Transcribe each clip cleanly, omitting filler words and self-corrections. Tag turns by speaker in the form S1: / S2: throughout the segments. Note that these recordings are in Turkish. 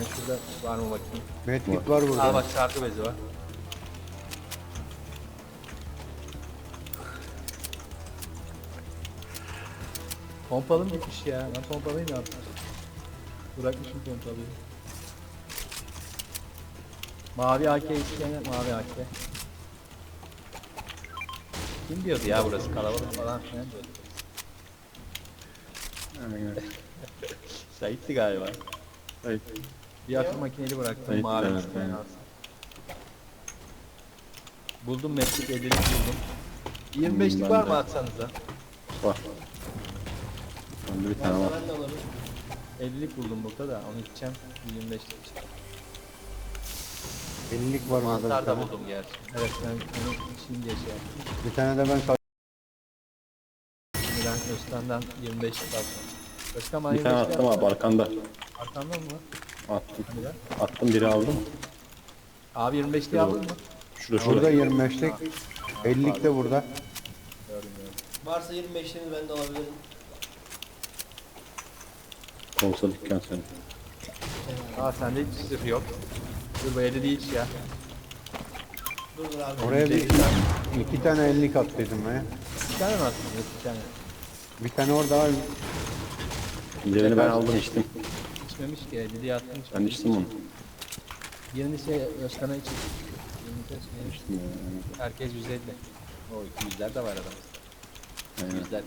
S1: Ben şurada var mı bakayım.
S2: Medkit var burada.
S1: Aa bak sargı bezi var. Pompalım gitmiş ya. Ben pompalıyı ne yaptım? Bırakmışım pompalıyı. Mavi AK isteyen mavi AK. Kim diyordu ya burası kalabalık falan filan diyordu.
S2: Aynen.
S1: Sait'ti galiba.
S2: Evet.
S1: Bir akım makineli bıraktım
S2: Sait,
S1: mavi
S2: evet,
S1: isteyen
S2: evet.
S1: alsın. Buldum meslek 50'lik buldum. 25'lik
S2: ben
S1: var
S2: de.
S1: mı atsanıza?
S2: Var. Bende bir tane var.
S3: Ben de alırım.
S1: 50'lik buldum burada da onu içeceğim 25'lik içeceğim.
S2: 50'lik var burada. bir
S1: Mantar da
S2: tane.
S1: buldum gerçi. Evet ben onu içeyim diye şey yaptım.
S2: Bir tane de ben
S1: Şimdi ben Özkan'dan 25'lik aldım. Özkan bana
S2: bir tane
S1: 25'lik
S2: attım abi arkanda.
S1: Arkamdan mı?
S2: Attım.
S1: Hadi lan.
S2: Attım biri aldım.
S1: Abi 25'liği aldın mı?
S2: Şurada şurada.
S3: Burada
S2: 25'lik. 50'lik de burada.
S1: Gördüm gördüm.
S3: Varsa 25'lerini ben de alabilirim.
S2: Olsa dükkan senin.
S1: Aa sende hiç zırh yok. Dur bu 50 değil ya.
S3: Dur abi.
S2: Oraya bir
S1: 50 tane.
S2: 2 tane 50'lik attıydım ben.
S1: Bir tane mi attın? Yok bir tane.
S2: Bir tane orada var. Diğerini ben aldım içtim.
S1: İçmemiş ki 50'liği attım.
S2: Ben içtim onu.
S1: Yeni şey Özkan'a için. Yeni şey.
S2: İçtim yani.
S1: Herkes 150. O 200'ler de var adamızda.
S2: Aynen.
S1: 100'ler.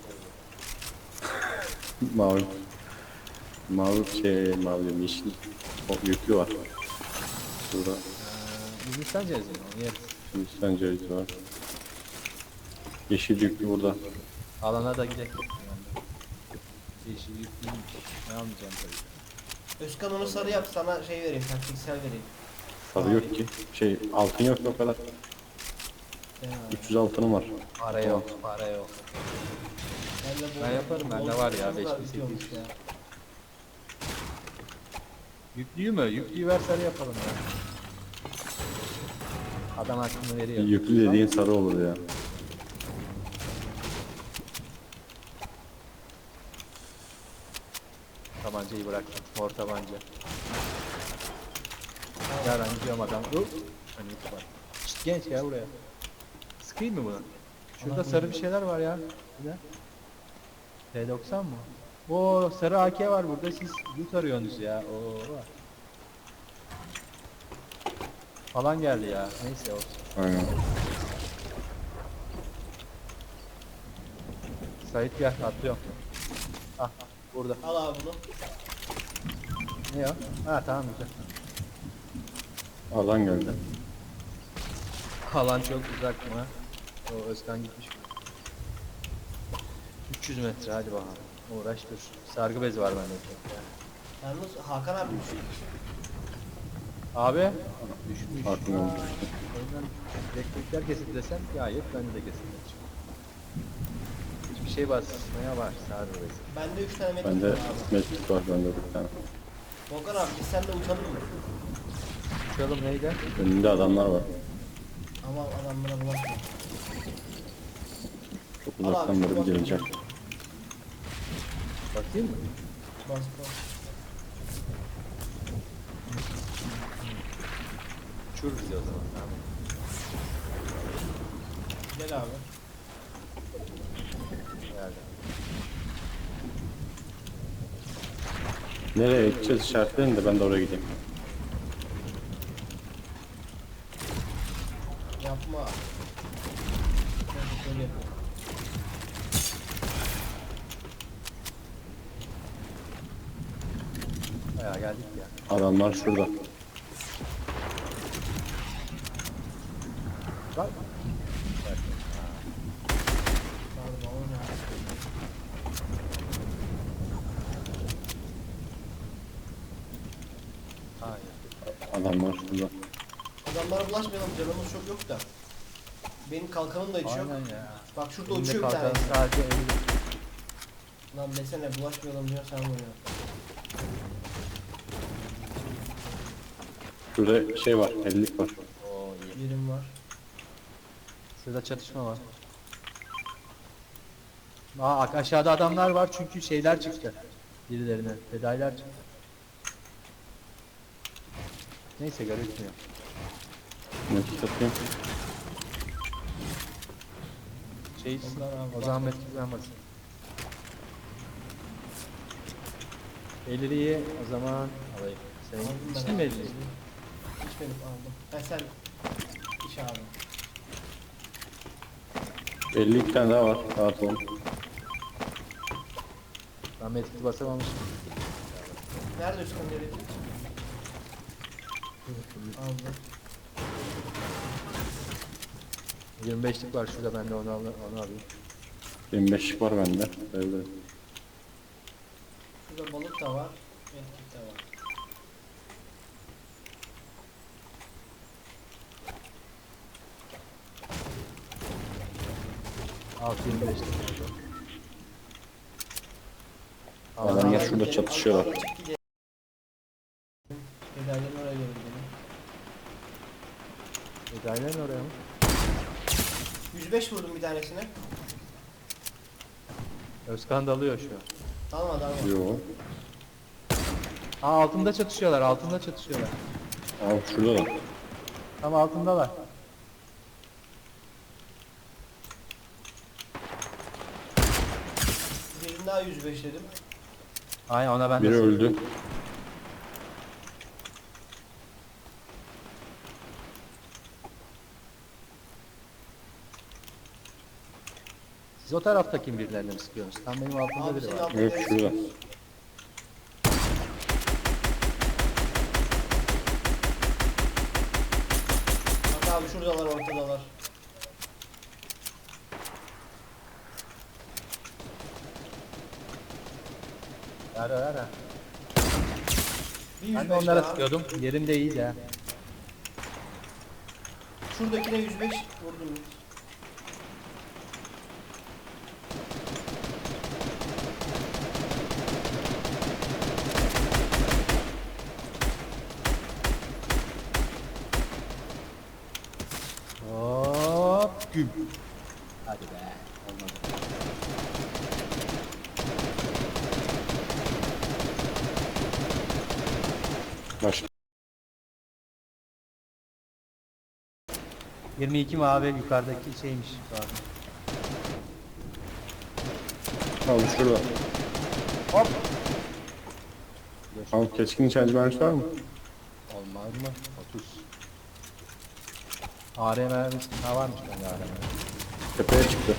S2: Mavi. Mavi şey mavi diyorum, yeşil. O yüklü var. Şurada
S1: Hindistan cevizi mi? Onu yeriz.
S2: Hindistan cevizi var. Yeşil yüklü burada.
S1: Alana da gidelim. Yeşil yüklüymüş. Ne almayacağım tabii.
S3: Özkan onu sarı yap, sana şey vereyim, taktiksel vereyim.
S2: Sarı yok ki. Şey altın yok o kadar. 300 altınım var.
S1: Para yok, para yok. Ben yaparım, bende var ya, 5800. Yüklüyü mü? Yüklüyü ver sarı yapalım ya. Adam hakkını veriyor.
S2: Yüklü dediğin sarı olur ya.
S1: Tabancayı bıraktım. Mor tabanca. Ya ben gidiyorum adam. Hani bak. Şşt, genç ya buraya. Sıkayım mı bunu? Şurada sarı bir şeyler var ya. Ne? T90 mı? Oo sarı AK var burada. Siz loot arıyorsunuz ya. Oo. Falan geldi ya. Neyse olsun.
S2: Aynen.
S1: Sait gel atlıyorum. Ah burada.
S3: Al abi bunu.
S1: Ne ya? Ha tamam güzel.
S2: Alan geldi.
S1: Alan çok uzak mı? O Özkan gitmiş. 300 metre hadi bakalım. Uğraş dur. Sargı bezi var bende çok ya.
S3: Yalnız Hakan abi düştü.
S1: Abi düşmüş.
S2: Aklım oldu.
S1: Ondan elektrikler kesildi desem ya yok bende de kesildi. Hiçbir şey basmaya var sargı bezi.
S3: Bende 3 tane metin
S2: Bende
S3: var abi.
S2: mektup var bende bir tane.
S3: Volkan abi biz seninle uçalım mı?
S1: Uçalım neydi?
S2: Önünde adamlar var.
S3: Ama adam bana bulaşma.
S2: Çok uzaktan beri bir gelecek.
S1: Bakayım mı?
S3: Bas bas.
S1: Uçur bizi o zaman. Tamam.
S3: Gel abi.
S1: Geldi.
S2: Nereye gideceğiz işaretleyin de ben de oraya gideyim.
S3: Yapma. Neyse, şöyle yapalım.
S1: Bayağı geldik ya.
S2: Adamlar şurada.
S1: Bak.
S3: Pardon, o ne?
S1: Hayır.
S2: Adamlar şurada.
S3: Adamlara bulaşmayalım, canımız çok yok da. Benim kalkanım da hiç yok.
S1: Aynen ya.
S3: Bak şurada
S1: Elimde
S3: uçuyor bir tane.
S1: kalkan sadece 50.
S3: Lan desene bulaşmayalım diyor, sen vuruyor.
S2: Şurada şey var, 50'lik var.
S1: Oo iyi.
S3: Yerim var.
S1: Şurada çatışma var. Aa aşağıda adamlar var çünkü şeyler çıktı. Birilerine fedailer çıktı. Neyse gözükmüyor.
S2: Nakit atayım.
S1: Şey
S3: Onlar abi,
S1: o
S3: bak.
S1: zaman metkul yanmasın. 50'yi o zaman alayım. Senin
S3: Aldım ben
S1: içtin mi
S3: abi.
S1: 50'yi?
S3: İçmedim, aldım. Ha sen iç abi.
S2: 52 tane daha var. Rahat olun.
S1: Ben metkul basamamışım.
S3: Nerede Özkan nerede? Aldım.
S1: 25'lik var şurada, ben de onu alayım.
S2: 25'lik var bende. Öyle.
S3: Şurada balık da var. Medkit de var.
S1: Alt 25'lik oldu.
S2: Adamlar
S1: Aa,
S2: şurada çatışıyorlar.
S3: Medalyanın oraya doğru gidelim.
S1: Medalyen oraya mı?
S3: 105 vurdum bir tanesine.
S1: Özkan dalıyor şu an.
S3: Tamam adam.
S2: Yo.
S1: Aa, altında çatışıyorlar, altında çatışıyorlar.
S2: Al şurada da.
S1: Tam altındalar.
S3: Birini daha 105 dedim.
S1: Aynen, ona ben de
S2: Biri öldü.
S1: Siz o taraftaki birilerine mi sıkıyorsunuz? Tam benim altımda
S3: Abi
S1: biri
S3: senin
S1: var.
S3: altında
S2: Yok
S3: neresi?
S2: şurada.
S3: Bak abi şuradalar, ortadalar.
S1: Ver.
S3: Bir
S1: Ben
S3: 105
S1: de onlara
S3: daha.
S1: sıkıyordum. Yerim de iyiydi ha.
S3: Şuradakine 105 vurdum.
S1: Hop. Güm. Hadi be. Olmadı.
S2: Başka.
S1: 22 mavi yukarıdaki şeymiş. Pardon.
S2: Al şurada.
S1: Hop.
S2: Al keskin nişancı mermisi var mı?
S1: Olmaz mı? 30. AR mermisi. Ha, varmış bende AR mermisi.
S2: Tepeye çıktı.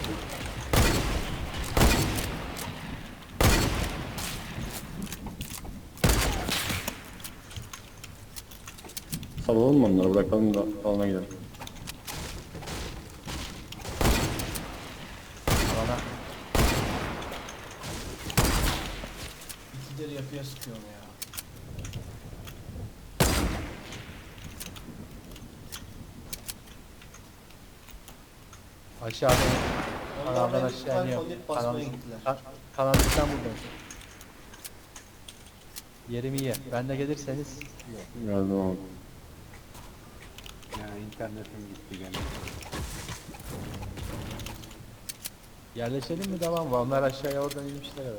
S2: Salalım mı onları, bırakalım da alana gidelim.
S1: Alana.
S3: İkileri yapıya sıkıyorum ya.
S1: Aşağıda.
S3: Onlar
S1: Kanaldan
S3: beni
S1: aşağı
S3: tutan
S1: iniyor.
S3: kondit basmaya gittiler.
S1: Kanaldan buradayım. Yerim iyi. Ben de gelirseniz.
S2: Geldim abi.
S4: Ya internetim gitti gene.
S1: Yerleşelim mi, devam mı? Onlar aşağıya oradan inmişler herhalde.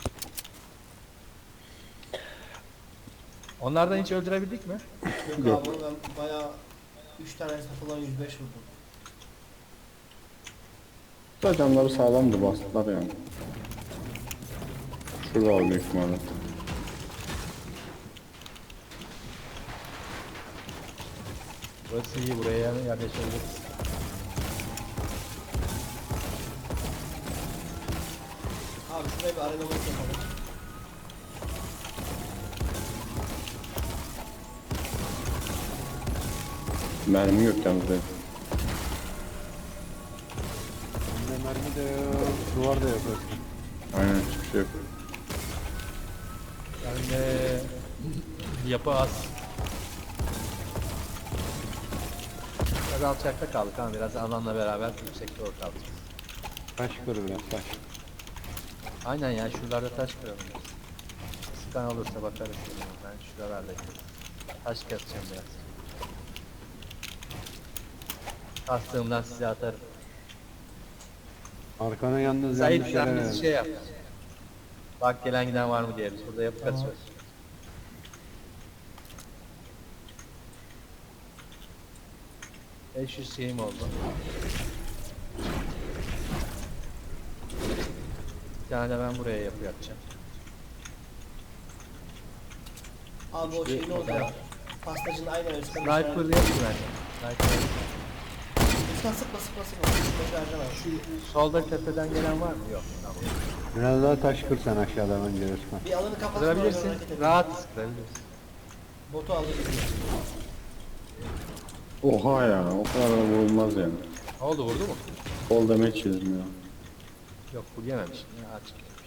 S1: Onlardan hiç öldürebildik mi?
S3: Yok,
S2: Yok.
S3: abi ben bayağı 3 tane satılan 105 vurdum.
S2: Da camları sağlamdı, bastılar yani. Şurada var büyük ihtimalle.
S1: Burası iyi, buraya yerleşebiliriz.
S3: Abi şuraya bir arena maçı yapalım.
S2: Mermi yok yalnız benim.
S4: Bende mermi de yok, duvar da yok Özkan.
S2: Aynen, hiçbir şey yok.
S1: Yani yapı az. Biraz alçakta kaldık ama biraz alanla beraber yüksekte kaldık.
S4: Taş kır biraz taş.
S1: Aynen ya, şuralarda taş kıralım. Sıkan olursa bakarız. Ben şuralardayım. Taş keseceğim biraz. Kastığımdan size atarım.
S4: Arkana yalnız
S1: Zahit
S4: yanlış yere
S1: sen
S4: ver.
S1: bizi şey yap. Bak gelen giden var mı diye. Biz burada yapı
S3: Tamam.
S1: kaçıyoruz. 500 şeyim oldu. Bir tane de ben buraya yapı yapacağım.
S3: Abi o şey ne oldu ya? Pastacının aynen Özkan.
S1: Sniper yok ki bende. Sniper yok.
S3: Özkan sıkma sıkma sıkma. Sıkma harcama.
S1: Solda tepeden gelen var mı? Yok. Tamam.
S4: Biraz daha taş kır sen aşağıdan önce Özkan.
S3: Bir alanı kapat.
S1: Kırabilirsin. Rahat kırabilirsin.
S3: Botu aldı gidiyor.
S2: Oha ya, o kadar da vurulmaz yani.
S1: Ne oldu, vurdu mu?
S2: Kol damage yedim ya.
S1: Yok, full yememişim ya, açık yemişim.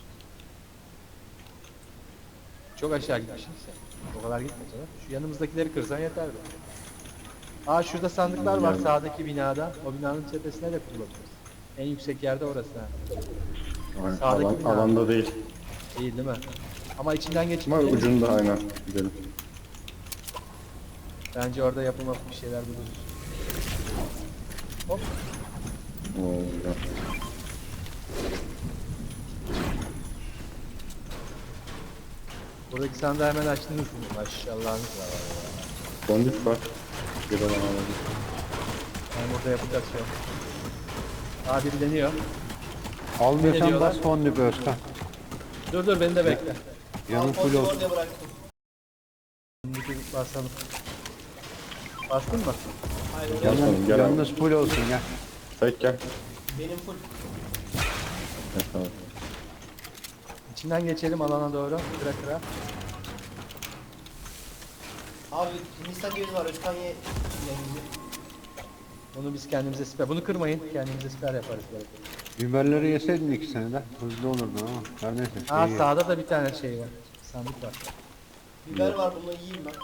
S1: Çok aşağı gitmişsin sen. O kadar gitme canım. Şu yanımızdakileri kırsan yeterdi. Aa, şurada sandıklar var
S2: Yani.
S1: sağdaki binada. O binanın tepesine de kurulabiliriz. En yüksek yerde orası ha.
S2: Aynen,
S1: Sağdaki bina.
S2: alanda değil.
S1: Değil mi? Ama içinden geçip
S2: Ama
S1: gidelim.
S2: ucunda aynen gidelim.
S1: Bence orada yapılmak bir şeyler buluruz. Hop.
S2: Oo, ya.
S1: Buradaki sandığı hemen açtınız mı? Maşallahınız var.
S2: Fondip var. Bir alan alalım.
S1: Yani burada yapacağız şu an. Aa, biri deniyor.
S4: Almıyorsan
S1: diyorlar?
S4: bas fondip Özkan.
S1: Dur beni de bekle.
S4: Yanın full olsun.
S3: Oraya bıraktım.
S1: Şimdi bir basalım. Bastın mı?
S3: Hayır oraya
S2: Basalım,
S4: Yanın,
S2: gel abi.
S4: yanınız full olsun ya.
S2: Sait gel.
S3: benim full.
S2: Evet, tamam.
S1: İçinden geçelim alana doğru. Kıra kıra.
S3: Abi Hindistan cevizi var. Özkan ye. Cevizi.
S1: Bunu biz kendimize siper. Bunu kırmayın. Kendimize siper yaparız böyle.
S4: Biberleri yeseydin ikisini de hızlı olurdun ama. Her neyse.
S1: Aa,
S4: şey ye.
S1: sağda da bir tane şey var. Sandık var.
S3: Biber var bunu yiyeyim ben.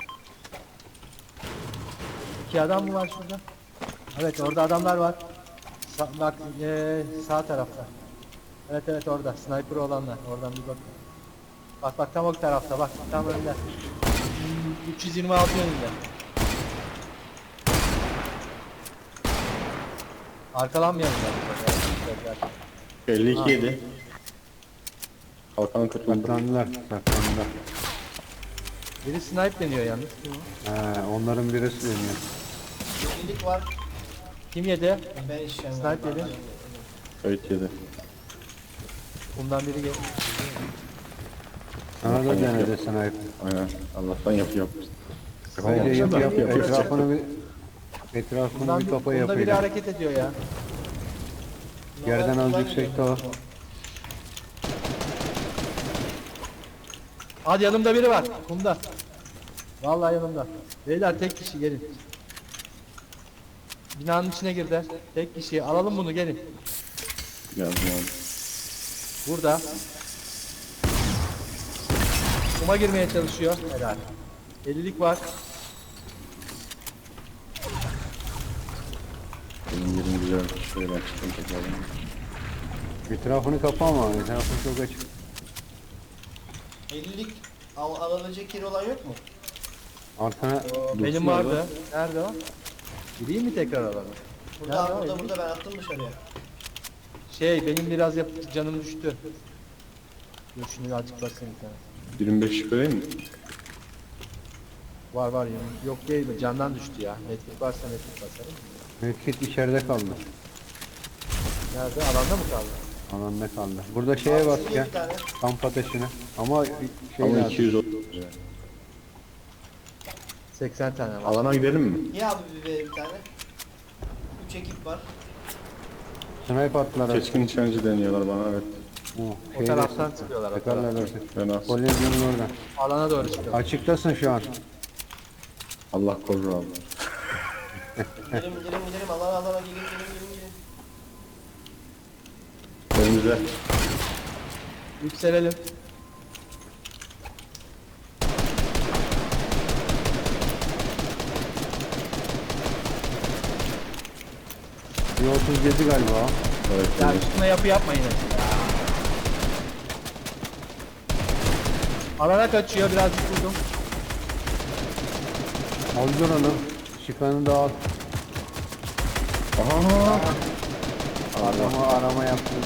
S1: 2 adam mı var şurada? Evet, orada adamlar var. Bak sağ tarafta. Evet orada. Sniper olanlar. Oradan bir bak. Bak tam o tarafta bak. Tam önde. 326 yönünde. Arkalanmayalım ben.
S2: 52 yedi. Kalkan kırıldı.
S4: Saklandılar. Saklandılar.
S1: Biri snipe deniyor yalnız. Kim o?
S4: Onların birisi deniyor.
S3: Yeşillik var.
S1: Kim yedi?
S3: Ben işlem
S1: Sniper yedi.
S2: Sait yedi.
S1: Bundan biri gel.
S4: Sana da denedi sniper.
S2: Aynen. Allah'tan yapıyor.
S4: Bence yap yap.
S2: Yapıyor.
S4: Etrafını
S1: Bundan
S4: bir kafa
S1: bunda biri
S4: yapıyla.
S1: hareket ediyor ya.
S4: Yerden az yüksekte o.
S1: Hadi, yanımda biri var. Kumda. Vallahi yanımda. Beyler tek kişi gelin. Binanın içine girdiler. Tek kişi. Alalım bunu, gelin.
S2: Geldim abi.
S1: Burada. Kuma girmeye çalışıyor. Helal. 50'lik var.
S2: Benim yerim güzel. Şöyle ben çıkayım tekrardan.
S4: Etrafını kapa ama. Etrafını çok açık.
S3: 50'lik alabilecek yeri olan yok mu?
S4: Arkana
S1: Benim vardı. Nerede o? Gireyim mi tekrar alana?
S3: Burada
S1: Nerede o?
S3: burada
S1: 50'lik?
S3: burada ben attım dışarıya.
S1: Benim biraz canım düştü. Dur şunu azıcık basayım bir tane.
S2: 25 şüphe değil mi?
S1: Var yok değil mi? Candan düştü ya. Netlik varsa netlik basarım.
S4: medkit içeride kaldı.
S1: Nerede? Alanda mı kaldı?
S4: Alanda kaldı. Burada şeye
S3: Al,
S4: bas
S3: şuraya
S4: ya.
S3: bir tane.
S4: Kamp ateşine. Ama şey
S2: Ama
S4: lazım.
S2: 200 oldu.
S1: 80 tane var.
S2: Alana gidelim mi?
S3: Niye abi bir tane? 3 ekip var.
S4: Snipe attılar.
S2: Keskin nişancı deniyorlar bana, evet.
S1: O taraftan çıkıyorlar. O
S4: Tekrarlar
S1: taraftan.
S4: orası.
S2: Ben az.
S4: Kolejinin oradan.
S1: Alana doğru çıkıyorlar.
S4: Açıktasın şu an.
S2: Allah korur abi.
S3: Gidelim alana gelin.
S2: Önümüzde.
S1: Yükselelim.
S4: Bir 37 galiba.
S2: Evet.
S1: Ya
S2: evet.
S1: üstüne yapı yapmayın. Ya. Alana kaçıyor, birazcık vurdum.
S4: Aldır onu. Çıkanı da al.
S2: Aha.
S4: Arama yaptın.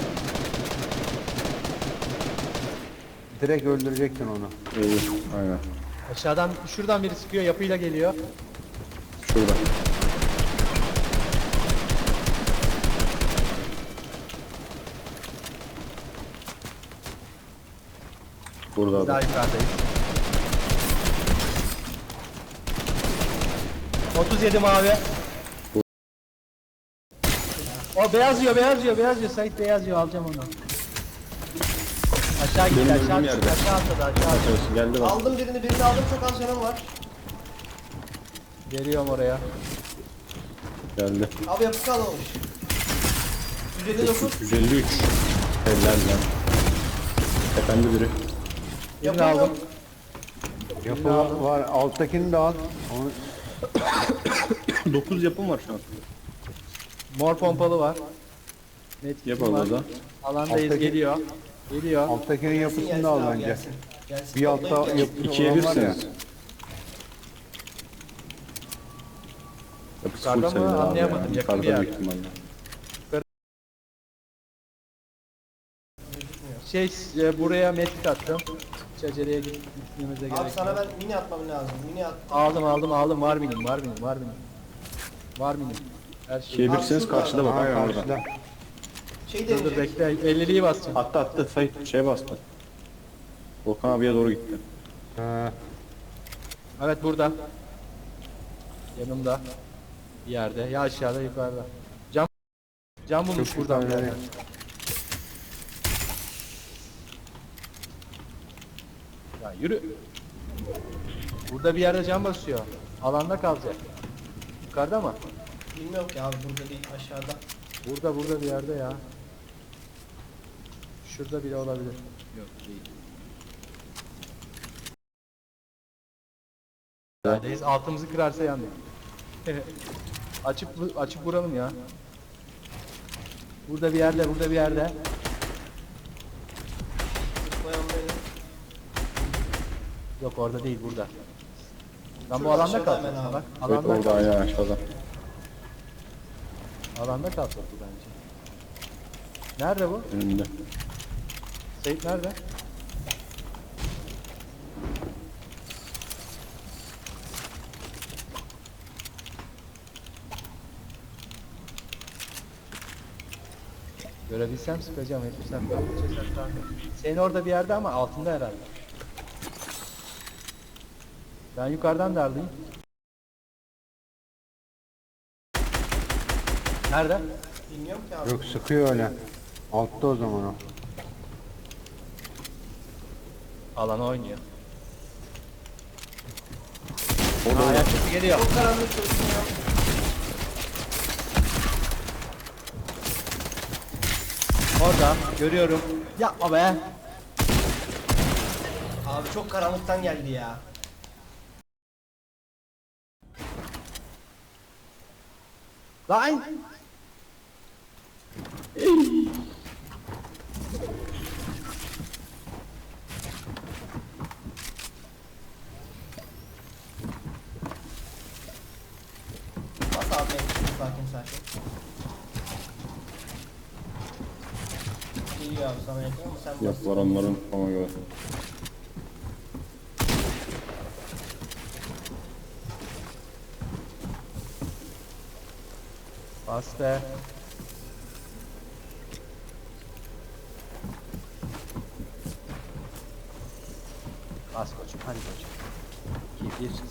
S4: Direkt öldürecektin onu.
S2: İyi. Aynen.
S1: Aşağıdan, şuradan biri sıkıyor, yapıyla geliyor.
S2: Şurada. Burada
S1: Daha
S2: da.
S1: yukarıdayız. 37 mavi. O beyaz yiyor, beyaz yiyor, beyaz yiyor. Sait beyaz yiyor, alacağım onu. Aşağı gitti,
S2: Benim
S1: aşağı
S2: öldüğüm
S1: gitti,
S2: yerde.
S1: aşağı atladı, aşağı atladı.
S2: Arkadaşlar geldi bak.
S3: Aldım birini aldım, çok az canım var.
S1: Geliyorum oraya.
S2: Geldi.
S3: Abi yapı kalmamış. 159.
S2: 153. Eller lan. Efendi biri.
S1: Birini
S3: Yapı
S1: aldım.
S3: yok.
S4: Yapı var. Alttakini de al. Onu
S2: 9 yapım var şu an.
S1: Mor pompalı var. Net
S2: Yap
S1: kitim var.
S2: orada.
S1: Alandayız,
S4: Alttaki-
S1: geliyor. Geliyor.
S4: alttakinin
S3: Gelsin,
S4: yapısını
S3: gelsin
S4: da al
S3: abi,
S4: bence.
S3: gelsin. Gelsin.
S4: Bir altta
S3: Toplayıp gelsin.
S4: yapı
S2: 2'ye
S4: olan var ya.
S2: 1'siniz. Yapısı
S1: Yukarıda
S2: full
S1: mı?
S2: sayılır abi
S1: Anlayamadım,
S2: ya.
S1: yakın bir
S2: Yukarıda
S1: yer.
S2: büyük ihtimalle.
S1: Buraya medkit attım. Hiç aceleye gitmemize gerek
S3: Abi
S1: yok.
S3: sana ben mini atmam lazım. Mini at.
S1: Aldım, var minim. Var minim. Her şey.
S2: 2'ye 1'siniz
S3: şurada.
S2: karşıda bak.
S4: Ha,
S2: Aynen orada.
S4: karşıda.
S3: Şey
S1: Dur
S3: deneyecek.
S1: bekle, 50'liği basacağım.
S2: Attı Sait şey bastı. Volkan abiye doğru gitti.
S4: Ha,
S1: Evet burada. Yanımda. Bir yerde. Ya aşağıda yukarıda. Cam bulmuş
S4: çok
S1: buradan bir
S4: yukarıda.
S1: yerden. Ya yürü. Burada bir yerde cam basıyor. Alanda kalacak. Yukarıda mı?
S3: Bilmiyorum ki abi, burada değil, aşağıda.
S1: Burada bir yerde ya. Şurada bile olabilir. Yok değil. Neredeyiz? Altımızı kırarsa yandık. açıp vuralım ya. Burada bir yerde.
S3: Zıplayan benim.
S1: Yok orada değil, burada. Ben bu
S3: Şurada
S1: alanda
S3: aşağıda
S1: kalsam
S3: hemen abi.
S1: salak.
S2: Evet
S1: Alanda
S2: orada
S1: kalsam.
S2: aynen aşağıda.
S1: Alanda kalsak bu bence. Nerede bu?
S2: Önünde.
S1: Seyit nerede? Görebilsem sıkacağım, hepsem senin orada bir yerde ama altında herhalde. Ben yukarıdan darlayayım. Nerede?
S3: Bilmiyorum ki abi.
S4: yok sıkıyor öyle. Altta o zaman o.
S1: Alana oynuyor.
S2: Orada
S1: Ayak sesi geliyor.
S3: Çok karanlık çalışmıyor.
S1: Orada görüyorum. Yapma be.
S3: Abi çok karanlıktan geldi ya.
S1: Lan.
S3: Bas abi, sakin. Geliyor abi sana yakın ama sen bas.
S2: Yok var onların ona göre.
S1: Bas be. Bas koçum, hadi koçum. 2, 1, 0.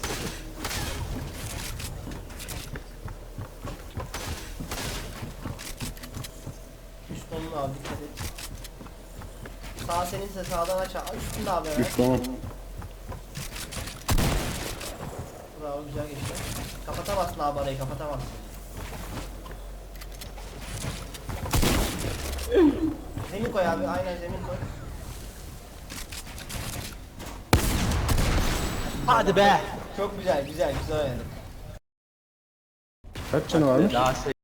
S3: Üst onunu abi, dikkat et. Sağ seninse sağdan aç. Üstünde abi hemen.
S2: Üst onun.
S3: Bravo, güzel geçti. Kapatamazsın abi arayı, kapatamazsın. Zemin koy abi, aynen zemin koy.
S1: Hadi be.
S3: Çok güzel oynadın.
S2: Kaç canı varmış?
S1: Daha